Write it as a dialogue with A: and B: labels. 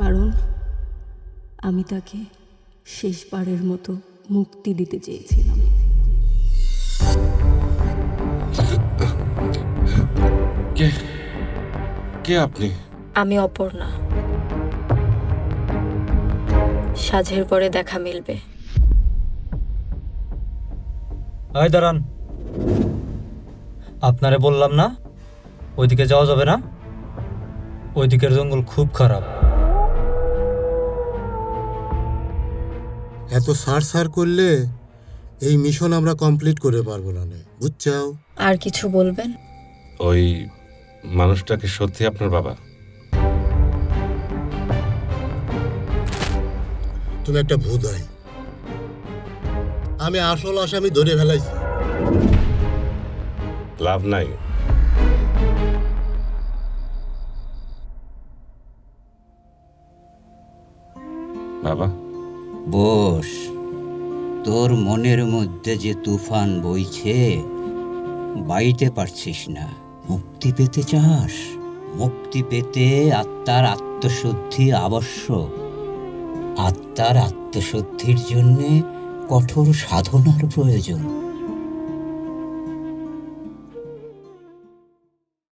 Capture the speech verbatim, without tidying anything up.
A: কারণ আমি তাকে শেষবারের মতো মুক্তি দিতে চেয়েছিলাম।
B: কে কে আপনি?
C: আমি অপর্ণা। সাঁঝের পরে দেখা মিলবে।
D: এই দাঁড়ান, আপনারে বললাম না ওইদিকে যাওয়া যাবে না? ওইদিকের জঙ্গল খুব খারাপ।
E: এত সার সার করলে এই মিশন আমরা কমপ্লিট করে পারবো না, বুঝছাও?
C: আর কিছু বলবেন?
B: ওই মানুষটাকে সত্যি আপনার বাবা?
E: তুমি একটা ভুদাই। আমি আসল আসামি ধরে ফেলাইছি।
B: লাভ নাই। বাবা,
F: বস, তোর মনের মধ্যে যে তুফান বইছে বাইতে পারছিস না। মুক্তি পেতে চাস? মুক্তি পেতে আত্মার আত্মশুদ্ধি আবশ্যক। আত্মার আত্মশুদ্ধির জন্যে কঠোর সাধনার প্রয়োজন।